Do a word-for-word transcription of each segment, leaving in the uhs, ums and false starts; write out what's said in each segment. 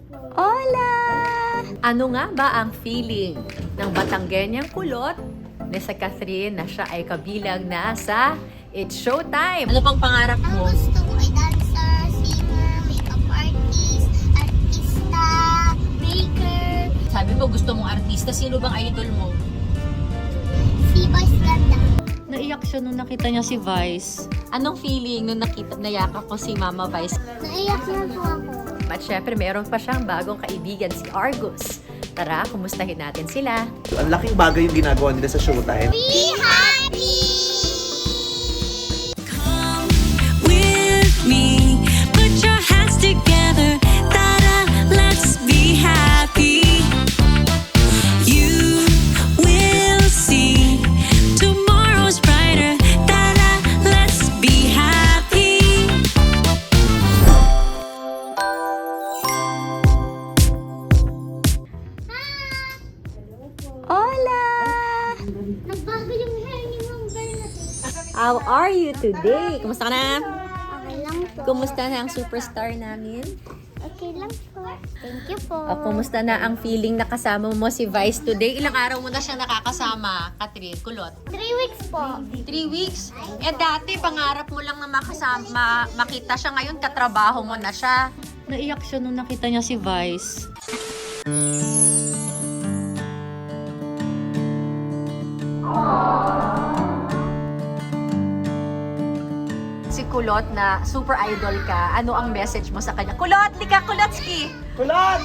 Hola! Ano nga ba ang feeling ng Batanggenyang kulot na sa Catherine na siya ay kabilang na sa It's Showtime? Ano pang pangarap Ang mo? gusto ko ay dancer, singer, makeup artist, artista, baker, Sabi mo gusto mong artista. Sino bang idol mo? si Boys Ganda. Naiyak siya nung nakita niya si Vice. Anong feeling nung nakita, nayakap ko si Mama Vice? Naiyak na po ako. At syempre, meron pa siyang bagong kaibigan, si Argus. Tara, kumustahin natin sila. Ang laking bagay yung ginagawa nila sa Showtime. Be happy! Come with me, put your hands together, ta-da, let's be happy. You will see tomorrow's brighter, ta-da, let's be happy. Hola! Nagbago yung hair ni Ma'am Bernadette. How are you today? Kumusta ka na? Okay lang po. Kumusta na ang superstar namin? Okay lang po. Thank you po. O, kumusta na ang feeling na kasama mo si Vice today? Ilang araw mo na siyang nakakasama, Catherine Kulot? Three weeks po. Three weeks? Eh dati, pangarap mo lang na makasama, makita siya. Ngayon, katrabaho mo na siya. Naiyak siya nung nakita niya si Vice. Si Kulot na super idol ka, ano ang message mo sa kanya? Kulot! Lika, Kulotski! Kulot!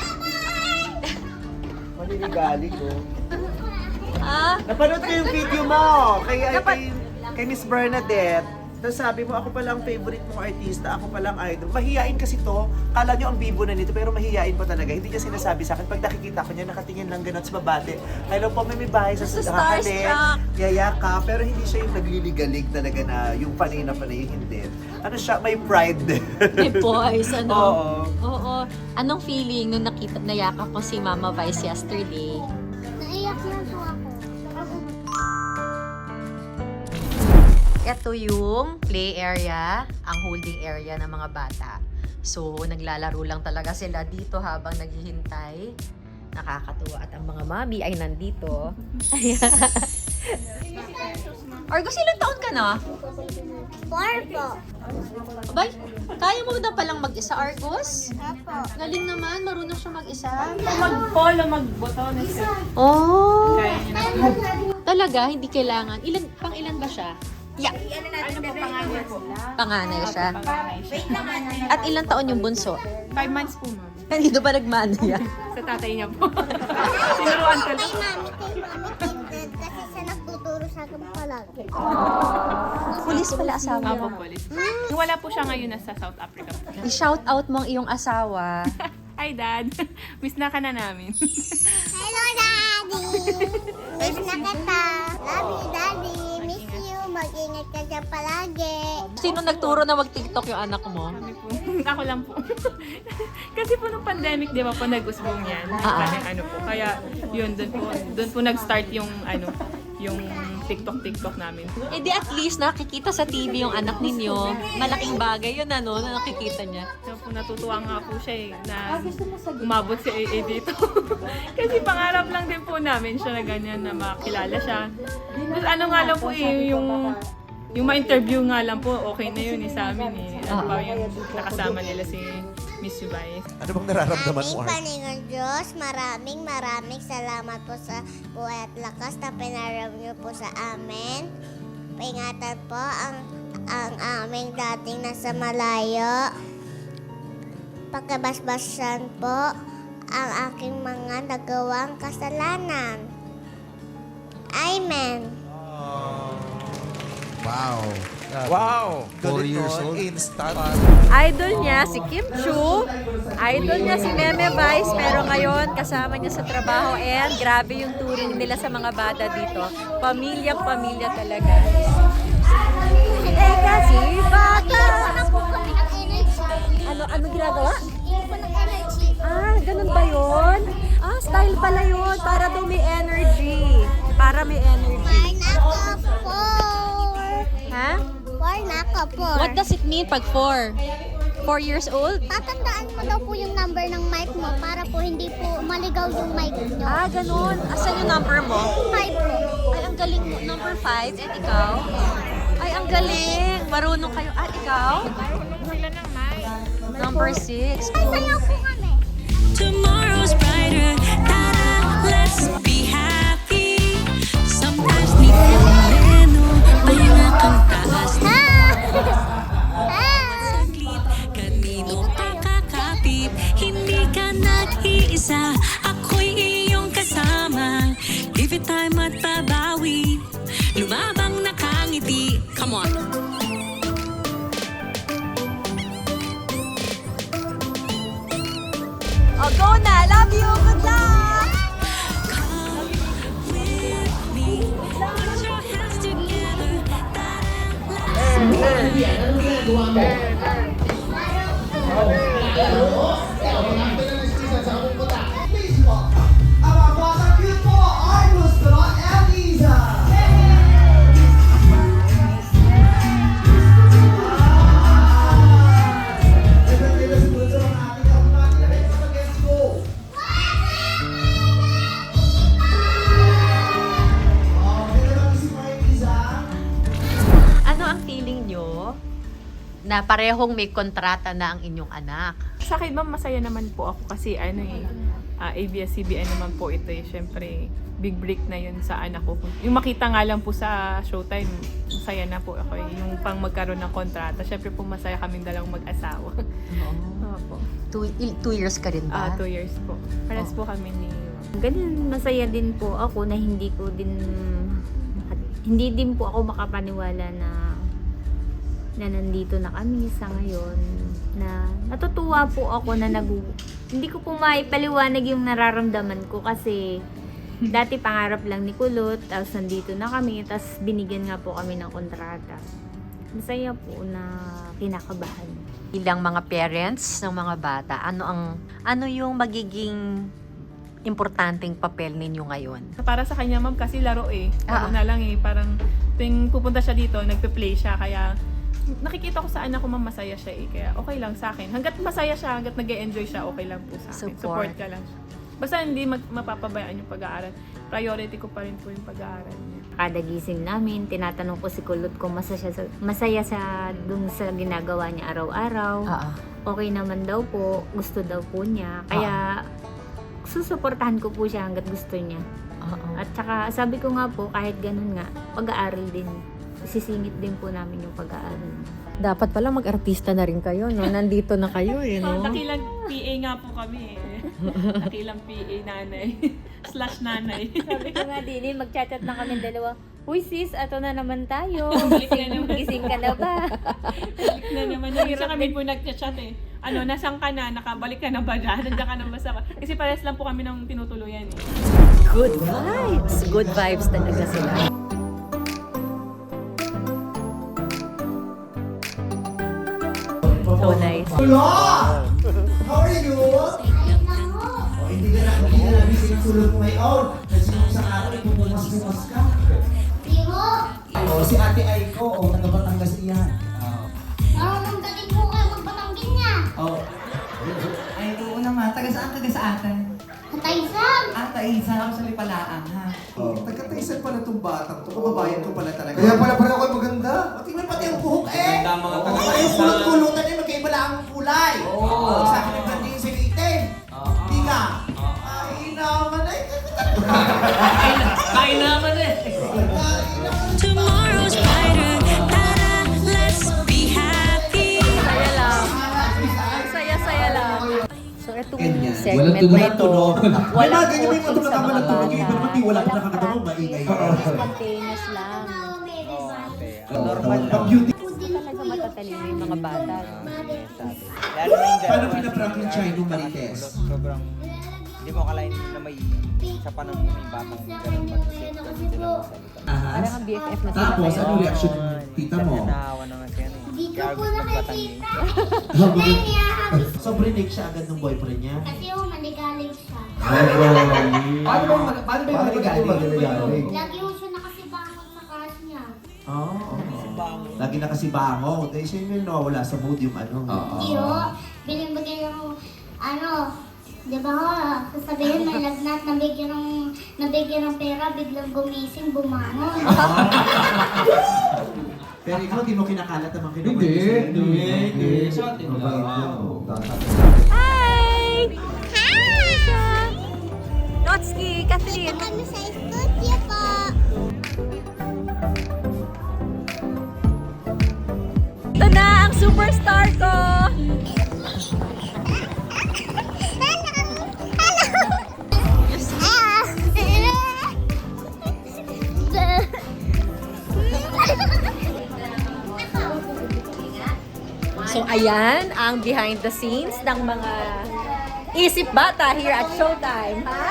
Maninigali ko. Ah? Napanood ko yung video mo kay, Napa- kay, kay Miss Bernadette. Tapos sabi mo, ako palang favorite mong artista, ako palang idol. Mahihain kasi to. Kala nyo ang bibo na nito, pero mahihain po talaga. Hindi niya sinasabi sa akin. Pag nakikita ko niya, nakatingin lang ganun sa babate. Hello po, may may bahay sa Sa nakakalik, starstruck. yayaka. Pero hindi siya yung nagliligalig talaga na yung panay na panay, hindi. Ano siya, may pride din. May boys, ano? Oo. Oo. Anong feeling nung nakita, nayakap mo si Mama Vice yesterday? Naiyak na po ako. Ito yung play area, ang holding area ng mga bata. So, naglalaro lang talaga sila dito habang naghihintay. Nakakatuwa. At ang mga mami ay nandito. Ayan. Argus, ilang taon ka na? Four po. Abay, kaya mo na palang mag-isa, Argus? Apo. Galing naman, marunong siya mag-isa. Mag-polo, mag-boto na siya. Oh! Kaya niya na. Talaga, hindi kailangan. Ilan, pang ilan ba siya? Yeah. Ano po pangalan po? Panganay siya. Panganay siya. At ilang taon yung bunso? Five months po, ma'am. Dito ba nagmano yan? Sa tatay niya po. Sinuruan ko Kay lang. mami, kay mami Kindred kasi siya nagtuturo sa akin palagi. Pulis pala asawa Apo, niya. police. Wala po siya ngayon nasa South Africa. I-shout out mo ang iyong asawa. Hi, Dad. Miss na ka na namin. Hello, Daddy! Miss na kita. Love you, Daddy. Miss you. Mag-ingat ka dyan palagi. Sino nagturo na mag-TikTok yung anak mo? Kami po. Ako lang po. Kasi po nung pandemic, di ba po nag-usbong yan. Ah, ah. Kaya ano po. Kaya yun, doon po, doon po nag-start yung ano, yung TikTok-TikTok namin. Eh di at least nakikita sa T V yung anak ninyo. Malaking bagay yun ano, na nakikita niya. So, po, natutuwa nga po siya eh, na umabot si A A dito. Kasi pangarap lang din po namin siya na ganyan, na makilala siya. Tapos ano nga lang po eh, yung, yung ma-interview nga lang po, okay na yun eh sa amin eh. Ano pa yung nakasama nila si Miss Vice. Ano bang nararamdaman mo, Aming Art? Panginoon Diyos, maraming maraming salamat po sa buhay at lakas na pinaram niyo po sa amin. Paingatan po ang, ang aming dating nasa malayo. Pagkabasbasan po ang aking mga nagawang kasalanan. Amen. Wow. Wow! Four Galing years nun. old. Instant. Idol niya si Kim Chu. Idol niya si Meme Vice. Pero ngayon, kasama niya sa trabaho. And grabe yung touring nila sa mga bata dito. Pamilyang-pamilya talaga. Eh kasi, bata! Ano, ano ginagawa? Ah, ganun ba yun? Ah, style pala yun. Para daw may energy. Para may energy. Ha? Four na ako, four. What does it mean pag four? Four years old? Tatandaan mo daw po yung number ng mic mo po, para po hindi po maligaw yung mic nyo. Ah, ganun. Asan yung number mo? Five po. Ay, ang galing mo. Number five. And ikaw? Ay, ang galing. Marunong kayo. Ah, ikaw? Number six. Ay, sayaw po kami. Tomorrow's brighter. Tara, let's be happy. Sometimes di moreno, pahinga kang taas na saglit. Kanino ka kakapit? Hindi ka nag-iisa. Ako'y iyong kasama. Give it time at babawi. Lumabang nakangiti. Come on. Oh, go na! Love you! Good luck! Come with me. Put your hands together. Ang mga cute po ay gusto at Liza! Ano ang feeling nyo na parehong may kontrata na ang inyong anak? Sa akin, ma'am, masaya naman po ako kasi ano eh, ah, A B S C B N naman po ito eh. Siyempre, big break na yun sa anak ko. Yung makita nga lang po sa Showtime, masaya na po ako eh. Yung pang magkaroon ng kontrata. Siyempre po masaya kaming dalawang mag-asawa. Opo. Two, il- two years ka rin Ah, ba? two years po. Pares po kami ni... Ganun, masaya din po ako na hindi ko din hindi din po ako makapaniwala na na nandito na kami sa ngayon, na natutuwa po ako na nag hindi ko po maipaliwanag yung nararamdaman ko kasi dati pangarap lang ni Kulot, tapos nandito na kami, tapos binigyan nga po kami ng kontrata. Masaya po na kinakabahan. Ilang mga parents ng mga bata, ano ang ano yung magiging importanteng papel ninyo ngayon? Para sa kanya, ma'am, kasi laro eh. Ah. Laro na lang eh. Parang tuwing pupunta siya dito, nagpe-play siya. Kaya nakikita ko sa anak ko, ma'am, masaya siya eh. Kaya okay lang sa akin. Hanggat masaya siya, hanggat nag-e-enjoy siya, okay lang po sa akin. Support. Support ka lang siya. Basta hindi mag- mapapabayaan yung pag-aaral. Priority ko pa rin po yung pag-aaral niya. Kada gising namin, tinatanong ko si Kulot kung masaya sa, masaya sa dun sa ginagawa niya araw-araw. Ah, ah. Okay naman daw po, gusto daw po niya. Kaya susuportahan ko po siya hanggat gusto niya. Oo. At saka sabi ko nga po, kahit ganun nga, pag-aaral din. Sisingit din po namin yung pag-aaral. Dapat pala mag-artista na rin kayo, no? Nandito na kayo, eh, So, no? dakilang P A nga po kami eh. Dakilang P A nanay. Slash nanay. Sabi ko nga din, eh, magchat-chat na kami dalawa. Uy sis, ato na naman tayo. Balik na naman. Gising ka na ba? Balik na naman. Yung isa kami po nag-chat eh. Ano, nasaan ka na? Nakabalik ka na ba dyan? Nandiyan ka na ba sa... Kasi pares lang po kami ng tinutuluyan eh. Good vibes. Good vibes talaga sila. So nice. Hello! How are you? Oh, hindi ka na, hindi ka namin sinutulog mo ngayon. Kasi nung isang araw, ipupumas-pumas ka. Timo! Oh, si Ate Aiko, oh, taga Batangas iyan. Marunong galing po kayo magbatanggin niya. Oh. Ay, oo naman. Taga saan ka sa atin? Kataysan! Ah, Taisan. Ako sa Lipalaang, ha? Oh, taga-taisan pala itong batang to. Kababayan ko pala talaga. Kaya pala pala ako maganda. Tingnan pati ang buhok eh. Maganda mga Oo, taga-Taisan. yung kulot-kulutan eh, magkaiba lang ang kulay. Oo. Sa akin ang ganda yung silitin. Hindi ka. Ay, naman ay. Kain naman eh. Tomorrow's brighter. Tara, let's be happy. Saya lang. Saya-saya lang. So, itong Ganyan. segment Walang tunog na at ito, tunog. walang May mga ganyan, may coaching mga sa mga tunog, bata. yung iba naman, di wala pa nakakatawa, maingay. Spontaneous lang. Normal lang. Beauty. Talaga matatalino yung mga bata. Lalo na yung dyan. Paano pinaprank yung Chino Marites? Sobrang, hindi mo akalain na may sa panahon mo may batang ganun mag-isip kasi sila magsalita. Ahas. Parang ang B F F na sila. Tapos, ngayon. ano reaction ng tita mo? Naawa naman siya eh. Hindi ko Kaya po gusto magbatangin. nakikita. Ngayon niya, So, brinig siya agad ng boyfriend niya? kasi yung manigaling siya. Paano ba yung mag- paano ba yung magagaling? Lagi yung siya nakasibangon sa cars niya. Oo. Lagi na kasi bango. Dahil siya yung nawawala sa mood yung ano. Iyo, binibigyan yung, ano, Di ba ho, sasabihin may lagnat, nabigyan ng, nabigyan ng pera, biglang gumising, bumangon. Pero ikaw, di mo kinakalat naman Hindi, kinukwento hindi, hindi. Sa atin Mabait lang. yan, oh. Hi! Hi! Notski, Catherine. Kami sa studio po. Ito na ang superstar ko! So ayan ang behind the scenes ng mga isip bata here at Showtime, ha?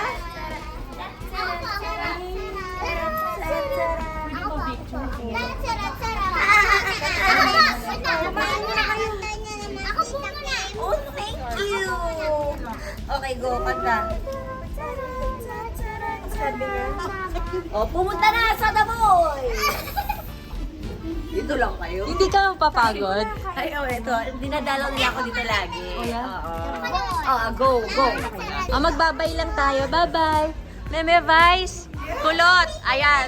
Oh, thank you. Okay, go, kanta. Oh, pumunta na sa The Boy! Dito lang kayo? Hindi ka papagod? Ay, oh, ito. Dinadalaw nila ako dito lagi. Oh, yeah? Oo. Oh, go, go. Oh, magbabay lang tayo. Bye-bye. Meme Vice. Kulot. Ayan.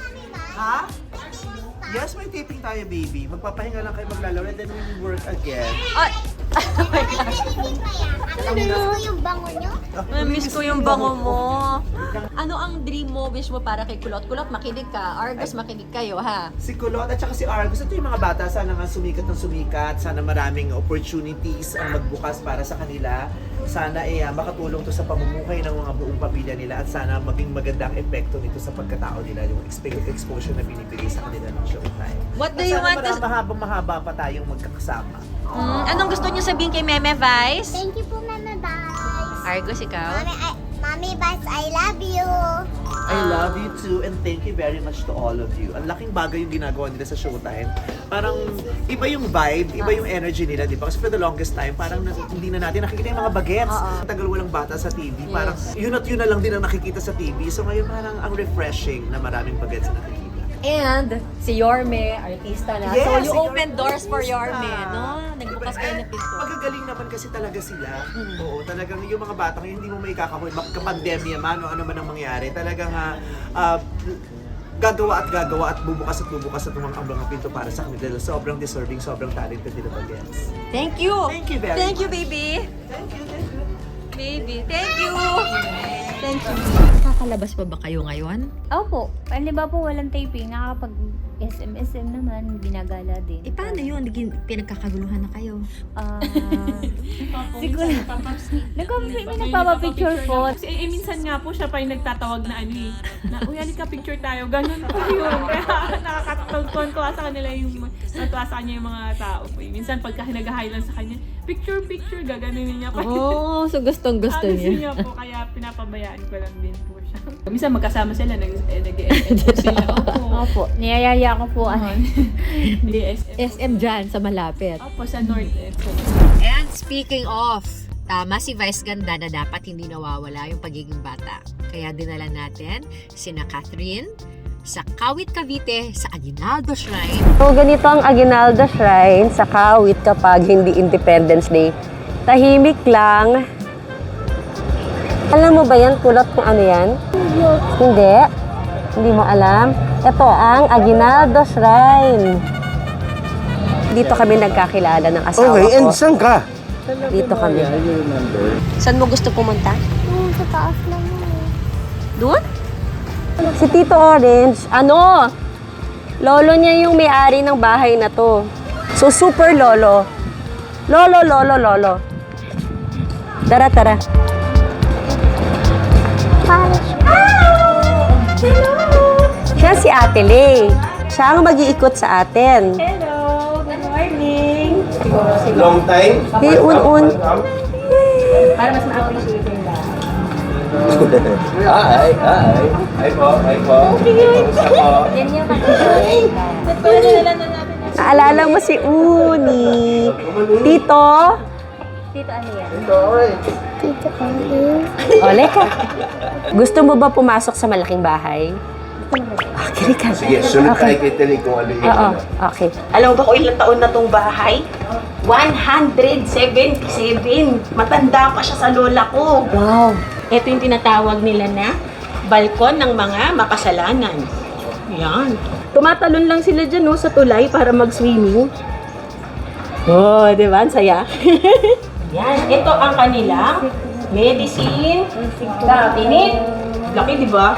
Ha? Yes, may taping tayo, baby. Magpapahinga lang kayo maglalaro and then we will work again. Oh, oh my gosh. Namiss ko yung bango nyo. Namiss ko yung bango mo. Ano ang dream mo, wish mo para kay Kulot? Kulot, makinig ka. Argos, makinig kayo, ha? Si Kulot at saka si Argus, ito yung mga bata, sana nga sumikat ng sumikat, sana maraming opportunities ang magbukas para sa kanila. Sana eh, ah, makatulong to sa pamumuhay ng mga buong pamilya nila at sana maging maganda ang epekto nito sa pagkatao nila, yung exp- exposure na binibigay sa kanila ng Showtime. What do At you sana want to... mara- mahabang mahaba pa tayong magkakasama. Hmm, anong gusto niyo sabihin kay Meme Vice? Thank you po, Mama Vice. Argos, ikaw? Mami, I, Mami Vice, I love you. I love you too and thank you very much to all of you. Ang laking bagay yung ginagawa nila sa Showtime. Parang iba yung vibe, iba yung energy nila, di ba? Kasi for the longest time, parang na, hindi na natin nakikita yung mga bagets. Oo. Tagal walang bata sa T V. Parang yun at yun na lang din ang nakikita sa T V. So ngayon parang ang refreshing na maraming bagets na nakikita. And si Yorme, artista na. Yes, so you si open Yorme, doors for artista. Yorme, no? Nagbukas kayo ng pinto. Magagaling naman kasi talaga sila. Mm. Oo, talagang yung mga batang yun, hindi mo may kakahoy. Magka-pandemya man o ano man ang mangyari. Talagang ah, ah, gagawa at gagawa at bubukas at bubukas at mga ang mga pinto para sa kanila. Sobrang deserving, sobrang talented nila bagets. Thank you! Thank you very Thank you, much. baby! Thank you, thank you. Baby, thank you! Thank you. Nakakalabas pa ba kayo ngayon? Opo. Di ba po walang taping? Nakakapag S M S M naman, binagala din. Eh, paano yun? Naging pinagkakaguluhan na kayo. Ah, Siguro. Nagpa- may nagpapapicture po. Kasi eh, minsan nga po siya pa yung nagtatawag na ano eh. Na, uy, halika picture tayo. Ganun po yun. Kaya nakakatuwa sa kanila yung, natuwa sa kanya yung mga tao po. eh. Minsan pagka nag-hi lang sa kanya, picture, picture, gaganunin niya pa. Oh, so gustong gusto Ah, niya. niya po, kaya pinapabayaan ko lang din po siya. Minsan magkasama sila, nag, eh, nag-e-M po sila. Opo. Opo. Niyayaya ko po. ano. Hindi, S M. S M dyan, sa malapit. Opo, sa North. Eh, so, And speaking of, tama si Vice Ganda na dapat hindi nawawala yung pagiging bata. Kaya dinala natin sina Catherine sa Kawit, Cavite sa Aguinaldo Shrine. So, ganito ang Aguinaldo Shrine sa Kawit kapag hindi Independence Day. Tahimik lang. Alam mo ba yan, Kulot, kung ano yan? Hindi. Hindi mo alam. Ito ang Aguinaldo Shrine. Dito kami nagkakilala ng asawa Okay, and ko. saan ka? Dito kami. Saan mo gusto pumunta? Oo, sa taas lang yun. Doon? Si Tito Orange, ano? Lolo niya yung may-ari ng bahay na to. So, super lolo. Lolo, lolo, lolo. Tara, tara. Siya si Ate Lay. Siya ang mag-iikot sa atin. Hello! Good morning! Long time? Hey, un-un. Para mas ma-appreciate yung lahat. Hi, hi. Hi po, hi po. Kamusta po? Yan yung mag-appreciate. Naalala mo si Uni. Tito? Dito ano yan? Ito, alright. Tito Oli. Ole ka. Gusto mo ba pumasok sa malaking bahay? Okay ka. Sige, sunod tayo kay Teli kung ano yung Oo, ano. okay. Alam mo ba kung ilang taon na tong bahay? one hundred seventy-seven. Matanda pa siya sa lola ko. Wow. Ito yung tinatawag nila na balkon ng mga makasalanan. Yan. Tumatalon lang sila dyan no, sa tulay para mag-swimming. Oh, di ba? Ang saya. Yan. Ito ang kanilang medicine cabinet. Laki, di ba?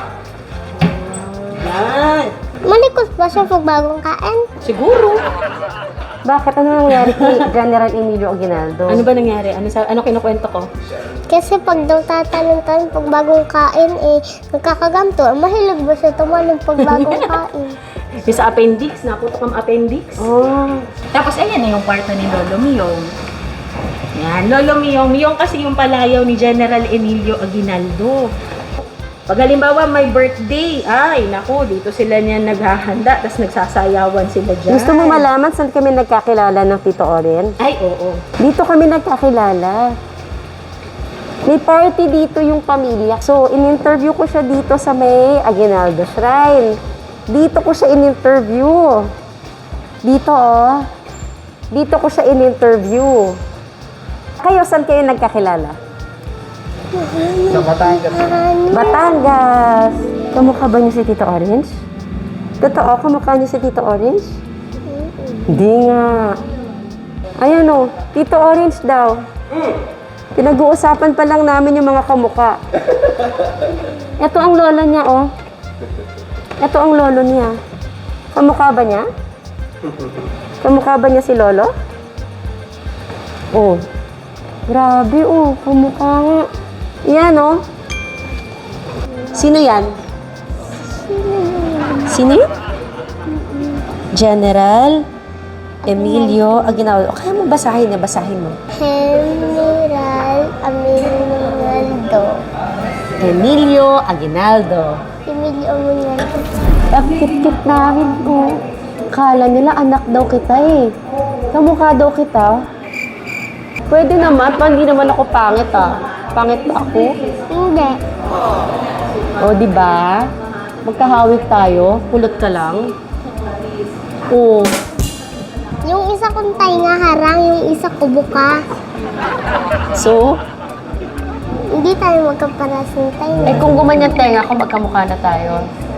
Yan. Malikot ba siya pag bagong kain? Siguro. Bakit? Ano nangyari kay General Emilio Aguinaldo? Ano ba nangyari? Ano sa ano kinukwento ko? Kasi pag daw tatanong-tanong pag bagong kain, eh, nagkakaganto. Mahilig ba siya tumalog pag bagong kain? Yung sa appendix, naputok ang appendix. Oh. Tapos ayan na yung kwarto ni Lolo Miyong. Yan, Lolo Miyong. Miyong kasi yung palayaw ni General Emilio Aguinaldo. Pag halimbawa may birthday, ay naku, dito sila niyan naghahanda, tapos nagsasayawan sila dyan. Gusto mo malaman saan kami nagkakilala ng Tito Oren? Ay, oo. Dito kami nagkakilala. May party dito yung pamilya. So, in-interview ko siya dito sa may Aguinaldo Shrine. Dito ko siya in-interview. Dito, oh. Dito ko siya in-interview. Kayo, saan kayo nagkakilala? Sa Batangas. Batangas! Kamukha ba niyo si Tito Orange? Totoo, kamukha niyo si Tito Orange? Hindi nga. Ayan o, Tito Orange daw. Pinag-uusapan pa lang namin yung mga kamukha. Ito ang lola niya, oh. Ito ang lolo niya. Kamukha ba niya? Kamukha ba niya si Lolo? Oh. Grabe, oh. Kamukha nga. Yan, oh. Sino yan? Sino yun? General Emilio Aguinaldo. Kaya mo basahin na, basahin mo. General Aguinaldo. Emilio Aguinaldo. Emilio Aguinaldo. Ang kit-kit namin, oh. Kala nila anak daw kita, eh. Kamukha daw kita. Pwede naman, pa hindi naman ako pangit, ah. Pangit ba ako? Hindi. O, di ba? Magkahawig tayo. Kulot ka lang. Oo. Yung isa kong tainga harang, yung isa ko buka. So, Hindi tayo magkaparas ng tainga. eh kung gumanyan tenga ako, magkamukha na tayo.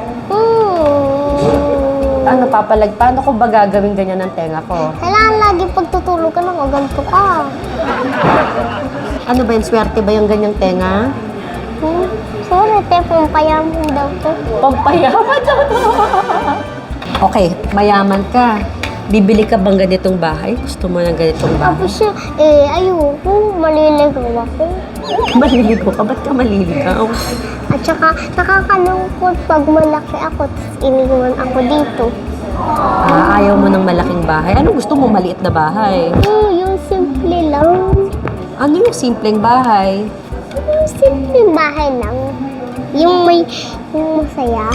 Hmm. Ano, papalag, paano ko ba gagawin ganyan ng tenga ko? Kailangan lagi pagtutulog ka ng ganito ka. Ano ba yung swerte ba yung ganyang tenga? Hmm? Sorry, te, pampayaman daw to. Pampayaman daw to. Okay, mayaman ka. Bibili ka bang ganitong bahay? Gusto mo ng ganitong bahay? Tapos siya, eh, ayoko, maliligaw ako. Maliligo ka? Ba't ka maliligaw? At saka, nakakalungkot pag malaki ako, tapos iniwan ako dito. Ah, ayaw mo ng malaking bahay? Ano gusto mo, maliit na bahay? Hmm, yung simple lang. Ano yung simpleng bahay? Yung simple bahay lang. Yung may, yung masaya.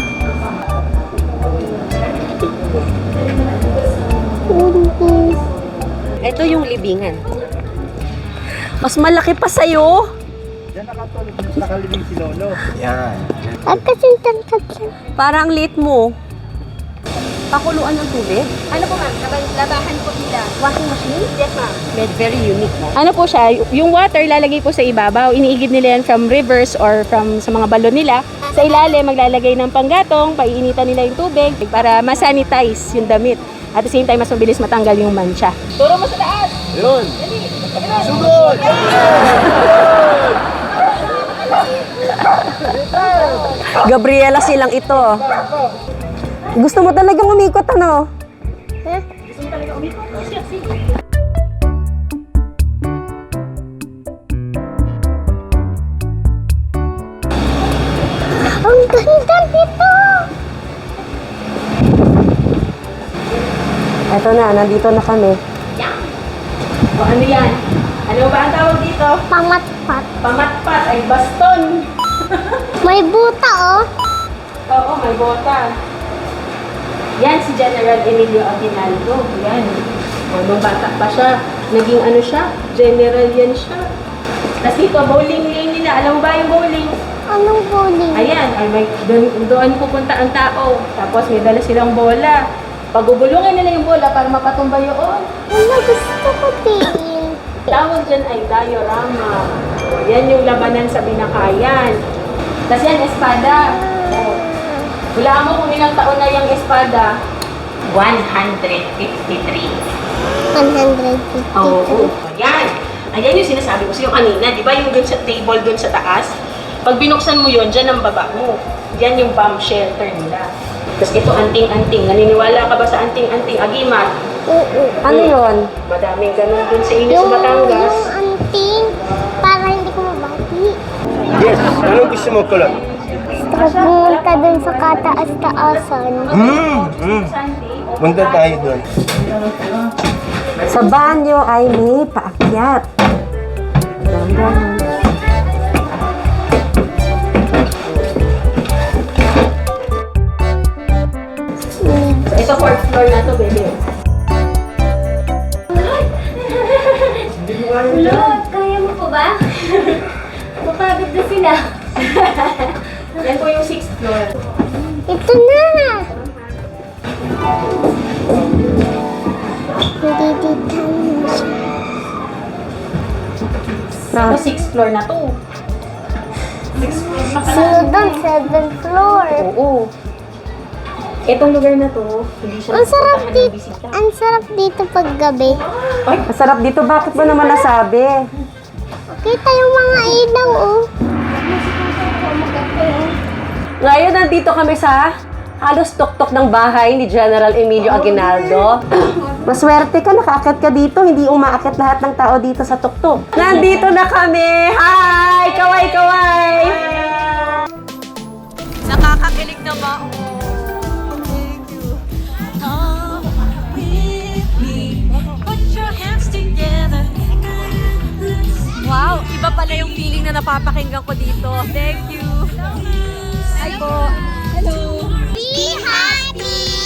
Ito yung libingan. Mas malaki pa sa'yo. Diyan nakatulog, nakalibing si Lolo. Yan. At kasing tangkad lang. Parang lit mo. Pakuluan ng tubig? Ano po ma'am? Labahan po nila. Washing machine? Yes ma'am. Very, very unique, no? Ano po siya, yung water lalagay po sa ibabaw. Iniigib nila yan from rivers or from sa mga balon nila. Sa ilalim, maglalagay ng panggatong, paiinitan nila yung tubig para ma-sanitize yung damit. At the same time, mas mabilis matanggal yung mancha. Turo mo sa taas! Yun! Sugod! Gabriela silang ito. Gusto mo talagang umikot, ano? Ang ganda nito! Eto na, nandito na kami. O ano yan? Ano ba ang tawag dito? Pamatpat. Pamatpat ay baston. May buta, oh. Oo, may bota. Yan si General Emilio Aguinaldo. Yan. O, nung bata pa siya, naging ano siya? General yan siya. Tapos dito, bowling lane nila. Alam mo ba yung bowling? Anong bowling? Ayan, ay may, doon, doon pupunta ang tao. Tapos may dala silang bola. Pagubulungin nila yung bola para mapatumba yun. Wala, gusto ko din. Tawag dyan ay diorama. O, yan yung labanan sa binakayan. Tapos yan, espada. O, hulaan mo kung ilang taon na yung espada. one hundred fifty-three. one hundred fifty. Oo. Ayan. Ayan yung sinasabi ko sa'yo kanina. Di ba yung dun sa table dun sa taas? Pag binuksan mo yun, dyan ang baba mo. Yan yung bomb shelter nila. Tapos ito, anting-anting. Naniniwala ka ba sa anting-anting? Agimat. Oo. Ano yun? Madaming ganun dun sa inyo sa Yung, Batangas. yung anting, para hindi ko mabati. Yes, ano gusto mo kulot? Tapos pumunta dun sa kataas-taasan. Hmm, hmm. Punta tayo doon. Sa banyo ay may paakyat. Dahan-dahan. So, ito fourth floor na to, baby. Lord, kaya mo po ba? Mapagod na sila. Yan po yung sixth floor. Ito na! Nadidita na siya. Ito sixth floor na to. Sunod doon, seventh floor. Oo. Itong lugar na to, hindi siya Ang sarap napupuntahan ng dito. bisita. Ang sarap dito pag gabi. Masarap dito. Bakit mo naman nasabi? Kita yung mga ilaw, oh. Ngayon, nandito kami sa halos tuktok ng bahay ni General Emilio Aguinaldo. Maswerte ka, nakaakyat ka dito. Hindi umaakyat lahat ng tao dito sa tuktok. Nandito na kami! Hi! Kaway, kaway! Nakakakilig naman. Come with me. Put your hands together. Wow, iba pala yung feeling na napapakinggan ko dito. Thank you. Hi po. Hello. Be happy!